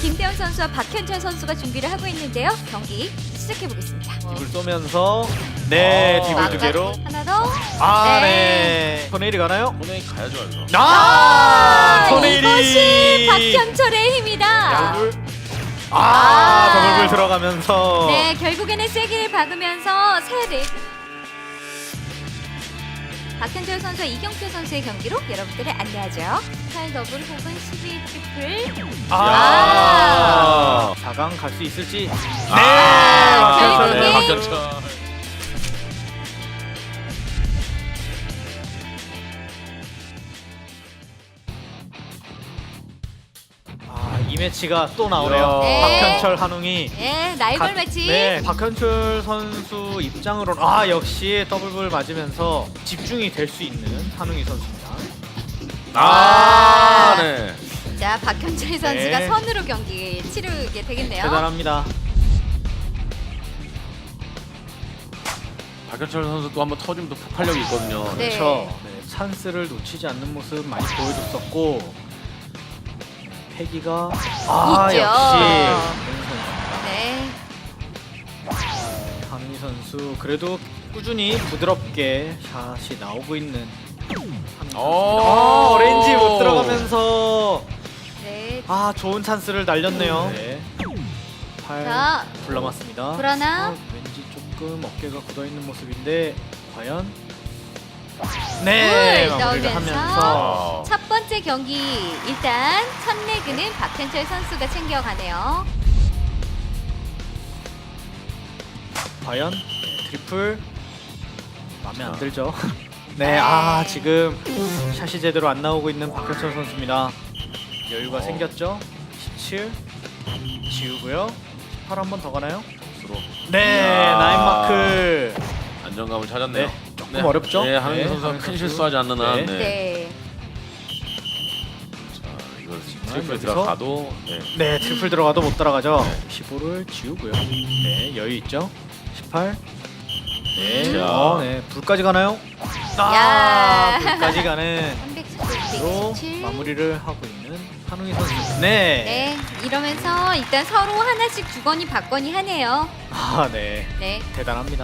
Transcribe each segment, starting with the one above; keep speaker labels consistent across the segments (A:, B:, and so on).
A: 김태형 선수와 박현철 선수가 준비를 하고 있는데요. 경기 시작해 보겠습니다.
B: 딥을 쏘면서 네, 딥을 두 개로.
A: 하나 더.
B: 네. 토네일이 가나요?
C: 토네일 가야죠, 여기서.
B: 토네일이.
A: 이것이 박현철의 힘이다.
B: 더블. 더블불 들어가면서.
A: 네, 결국에는 세기를 박으면서 세대. 박현철 선수와 이경표 선수의 경기로 여러분들을 안내하죠. 8 더블 혹은 12 트리플.
B: 4강 갈 수 있을지.
A: 결국에
C: 박현철.
B: 이 매치가 또 나오네요.
A: 네.
B: 박현철 한웅이.
A: 네, 라이벌 매치.
B: 네, 박현철 선수 입장으로는 역시 더블불 맞으면서 집중이 될 수 있는 한웅이 선수입니다.
C: 네.
A: 자, 박현철 선수가
B: 네.
A: 선으로 경기 치르게 되겠네요.
B: 대단합니다.
C: 박현철 선수 또 한번 터지면 또 폭발력이 있거든요.
A: 네.
B: 그렇죠. 네, 찬스를 놓치지 않는 모습 많이 보여줬었고 패기가
A: 있죠.
B: 역시
A: 네.
B: 한웅이 선수 그래도 꾸준히 부드럽게 샷이 나오고 있는 한웅이 선수입니다. 오렌지 못 들어가면서
A: 네.
B: 좋은 찬스를 날렸네요. 네. 8
A: 자,
B: 불 남았습니다.
A: 불 하나.
B: 왠지 조금 어깨가 굳어 있는 모습인데 과연 네,
A: 불
B: 마무리를
A: 넣으면서
B: 하면서
A: 첫 번째 경기 일단 첫 레그는 박현철 선수가 챙겨가네요.
B: 과연 트리플 마음에 안
C: 자.
B: 들죠? 네,
A: 네.
B: 지금 샷이 제대로 안 나오고 있는 박현철 선수입니다. 여유가 생겼죠? 17 지우고요. 18 한 번 더 가나요?
C: 스스로
B: 네,
C: 야.
B: 나인 마크.
C: 안정감을 찾았네요.
B: 네, 조금 어렵죠?
C: 네, 한웅
B: 네,
C: 선수가
B: 한웅
C: 큰
B: 선수.
C: 실수하지 않는 한.
B: 네.
C: 네.
A: 네.
C: 자, 이거 트리플에
B: 여기서.
C: 들어가도 네.
B: 네, 트리플 들어가도 못 따라가죠.
C: 네.
B: 15를 지우고요. 네, 여유 있죠? 18. 네,
C: 자.
B: 네, 불까지 가나요?
A: 야.
B: 불까지 가는
A: 317.
B: 로 마무리를 하고 있는 한웅이 선수. 네.
A: 네, 이러면서 일단 서로 하나씩 주거니 받거니 하네요.
B: 네.
A: 네.
B: 대단합니다.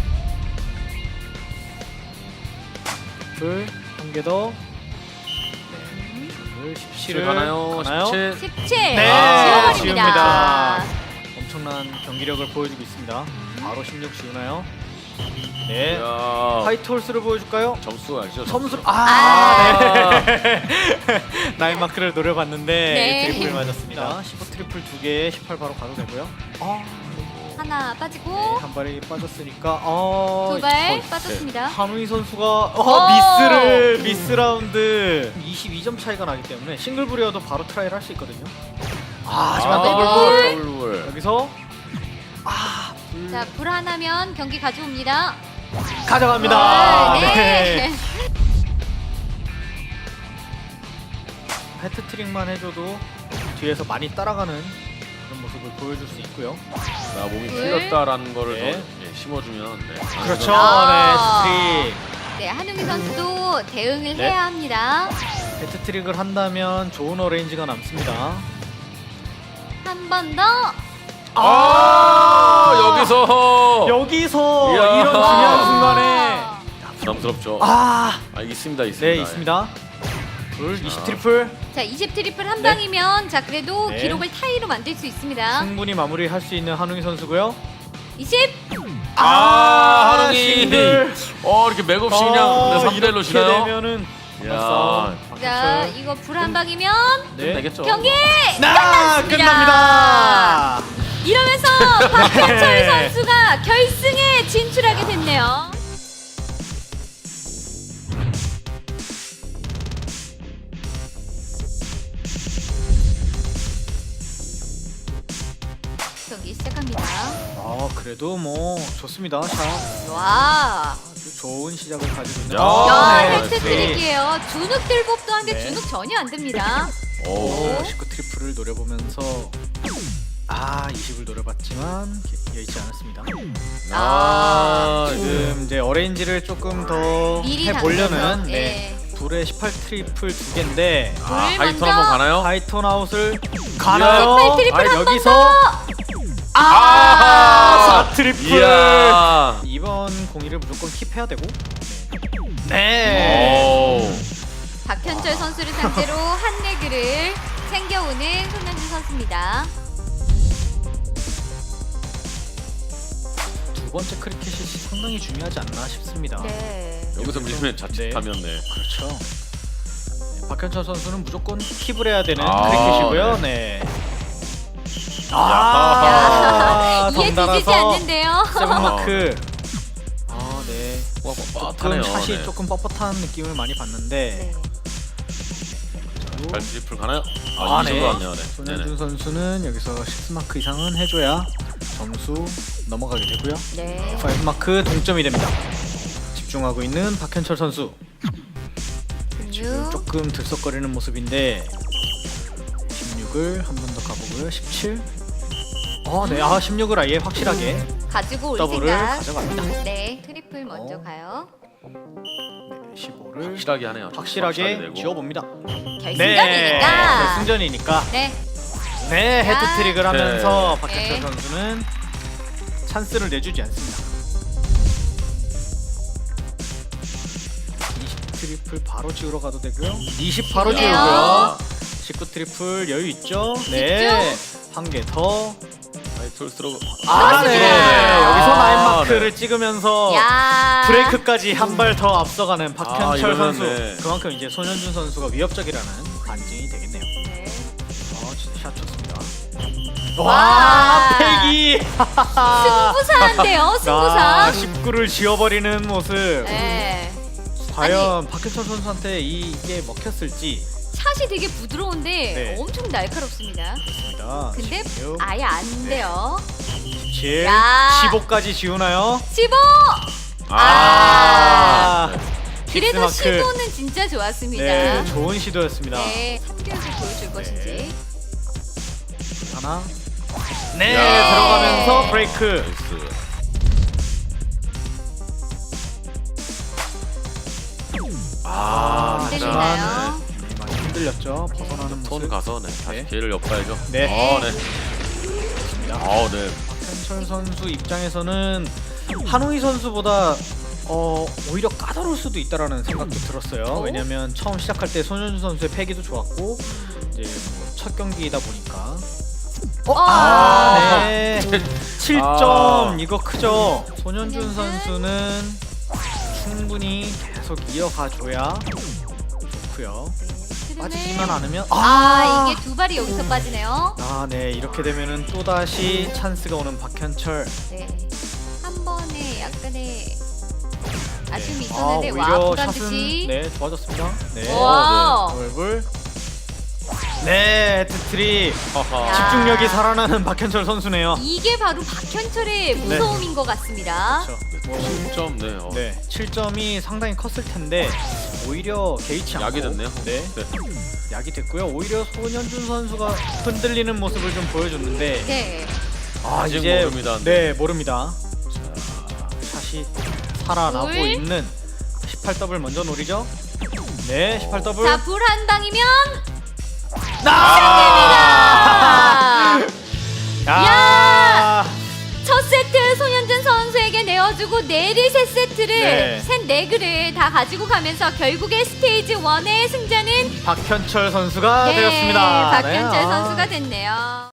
B: 불 한 개 더. 네. 불 17을
C: 가나요? 17.
A: 17.
B: 네,
A: 지워버립니다.
B: 지웁니다. 엄청난 경기력을 보여주고 있습니다. 바로 16 지우나요? 네.
C: 야.
B: 화이트 홀스를 보여줄까요?
C: 점수가 아시죠?
B: 점수
A: 아.
B: 네. 나인 마크를 노려봤는데
A: 네.
B: 트리플 맞았습니다. 15 트리플 2개 18 바로 가도 되고요.
A: 하나 빠지고
B: 한 발이 빠졌으니까
A: 두 발
B: 이거
A: 빠졌습니다.
B: 한웅이 선수가 미스 라운드 22점 차이가 나기 때문에 싱글불이어도 바로 트라이를 할 수 있거든요. 하지만
A: 더블불.
C: 더블불.
B: 여기서
A: 자, 불 하나면 경기 가져옵니다.
B: 가져갑니다.
A: 네.
B: 헤트트릭만 해줘도 뒤에서 많이 따라가는 그런 모습을 보여줄 수 있고요.
C: 나 몸이
A: 불.
C: 풀렸다라는 거를
B: 네.
C: 더 심어주면 네.
B: 그렇죠.
A: 아.
B: 네,
A: 네, 한웅이 선수도 대응을
B: 네.
A: 해야 합니다.
B: 헤트트릭. 헤트트릭을 한다면 좋은 어레인지가 남습니다.
A: 한 번 더.
C: 여기서
B: 이야. 이런 중요한 순간에
C: 부담스럽죠. 있습니다.
B: 네, 있습니다. 불 20 트리플
A: 자, 20 트리플 한 방이면 자, 그래도
B: 네.
A: 기록을 타이로 만들 수 있습니다.
B: 충분히 마무리할 수 있는 한웅이 선수고요.
A: 20.
C: 한웅이
B: 싱글.
C: 이렇게 맥없이 그냥 3대1로
B: 이렇게
C: 치나요?
B: 되면은
C: 야.
A: 자, 이거 불 한 방이면
B: 네.
C: 되겠죠.
A: 경기
B: 끝납니다.
A: 이러면서 박현철
B: 네.
A: 선수가 결승에 진출하게 됐네요. 경기 시작합니다.
B: 그래도 뭐 좋습니다. 샷
A: 와,
B: 아주 좋은 시작을 가지고 있는.
A: 야,
C: 네,
A: 헤트트릭이에요. 주눅 들법도 한데
B: 네.
A: 주눅 전혀 안 듭니다.
B: 19 트리플을 노려보면서 20을 노려봤지만 여의치 않았습니다. 지금 이제 어레인지를 조금 더
A: 미리
B: 해보려는
A: 당겨서, 예.
B: 불의 18 트리플 2개인데
A: 불
C: 하이톤
A: 먼저.
C: 한번 가나요?
B: 하이톤 아웃을 가나요?
A: 트리플 한 번
B: 여기서
C: 아!
B: 4 트리플.
C: 이야.
B: 이번 공이를 무조건 킵해야 되고. 네.
C: 오.
A: 박현철 선수를 상대로 한 레그를 챙겨오는 손현준 선수입니다.
B: 두 번째 크리켓이 상당히 중요하지 않나 싶습니다.
A: 네.
C: 여기서 밀면 자칫하면 네.
B: 그렇죠. 네, 박현철 선수는 무조건 킵을 해야 되는
C: 아,
B: 크리켓이고요. 네.
A: 야, 이해
B: 덩달아서
A: 뒤지지 않는데요.
B: 세븐마크. 아, 네.
C: 와,
B: 조금 샷이 조금 뻣뻣한 느낌을 많이 봤는데.
A: 네.
C: 발 트리플 가나요?
B: 아,
C: 이
B: 네.
C: 정도 왔네요. 네.
B: 손현준 선수는 여기서 10마크 이상은 해줘야 점수 넘어가게 되고요.
A: 네.
B: 5마크 동점이 됩니다. 집중하고 있는 박현철 선수. 지금
A: 16.
B: 조금 들썩거리는 모습인데 16을 한 번 더 가보고요. 17. 네. 16을 아예 확실하게
A: 가지고 올
B: 더블을
A: 생각.
B: 가져갑니다.
A: 네. 트리플 먼저 가요.
B: 네, 15를
C: 확실하게 하네요.
B: 확실하게
C: 내고.
B: 지워봅니다.
A: 결승전이니까.
B: 결승전이니까.
A: 네.
B: 네, 헤드트릭을 하면서
C: 네.
B: 박현철
A: 네.
B: 선수는 찬스를 내주지 않습니다. 20 트리플 바로 지우러 가도 되고요. 20 바로
A: 좋네요.
B: 지우고요. 19 트리플 여유 있죠? 네. 한 개 더.
C: 톨스로.
A: 그렇습니다.
B: 네. 여기서
C: 아,
B: 라인 마크를 찍으면서
A: 야.
B: 브레이크까지 한 발 더 앞서가는 박현철
C: 이러면
B: 선수.
C: 네.
B: 그만큼 이제 손현준 선수가 위협적이라는 반증이 되겠네요.
A: 네.
B: 진짜 샷 좋습니다.
A: 와.
B: 와, 패기.
A: 승부사인데요. 승부사.
B: 19를 지워버리는 모습.
A: 네.
B: 과연 박현철 선수한테 이게 먹혔을지.
A: 샷이 되게 부드러운데
B: 네.
A: 엄청 날카롭습니다.
B: 좋습니다.
A: 근데
B: 16,
A: 아예 안 돼요.
B: 17,
A: 야.
B: 15까지 지우나요?
A: 15!
B: 아,
A: 그래도
B: 픽스마크.
A: 시도는 진짜 좋았습니다.
B: 네, 좋은 시도였습니다.
A: 네, 3교육을 보여줄 것인지.
B: 하나. 네,
C: 야.
B: 들어가면서 브레이크.
C: 나이스.
B: 아,
A: 흔들리나요?
B: 네, 많이 흔들렸죠. 벗어나는
C: 손
B: 모습.
C: 가서 네. 다시
B: 네.
C: 기회를 엿봐야죠.
B: 네.
C: 네.
B: 좋습니다.
C: 네.
B: 박현철 선수 입장에서는 한우희 선수보다 오히려 까다로울 수도 있다라는 생각도 들었어요. 왜냐면 처음 시작할 때 손현준 선수의 패기도 좋았고 이제 뭐첫 경기이다 보니까 네. 7점 이거 크죠. 손현준 선수는 충분히 계속 이어가줘야 좋고요. 빠지지만 않으면
A: 이게 두 발이 여기서 빠지네요.
B: 네, 이렇게 되면은 또 다시 찬스가 오는 박현철.
A: 네. 한 번에 약간의 아쉬움이 있었는데
B: 오히려
A: 부담
B: 샷은
A: 듯이.
B: 네 좋아졌습니다. 네,
A: 와우.
B: 얼굴. 네, 헤드트릭.
C: 하하.
B: 집중력이 살아나는 박현철 선수네요.
A: 이게 바로 박현철의 무서움인 것 같습니다.
B: 그렇죠.
C: 7점 네.
B: 네, 7점이 상당히 컸을 텐데 오히려 개의치 않고
C: 약이 됐네요.
B: 네, 약이 됐고요. 오히려 손현준 선수가 흔들리는 모습을 좀 보여줬는데
A: 네.
C: 아직
B: 이제
C: 모릅니다.
B: 네, 모릅니다. 샷이 살아나고
A: 둘.
B: 있는 18더블 먼저 노리죠. 네, 18더블.
A: 자, 불 한 방이면
B: 아!
A: 야! 첫 세트 손현준 선수에게 내어주고 내리 세 세트를
B: 네.
A: 셋 레그를 다 가지고 가면서 결국에 스테이지 1의 승자는
B: 박현철 선수가
A: 네,
B: 되었습니다.
A: 박현철
B: 네,
A: 선수가 됐네요.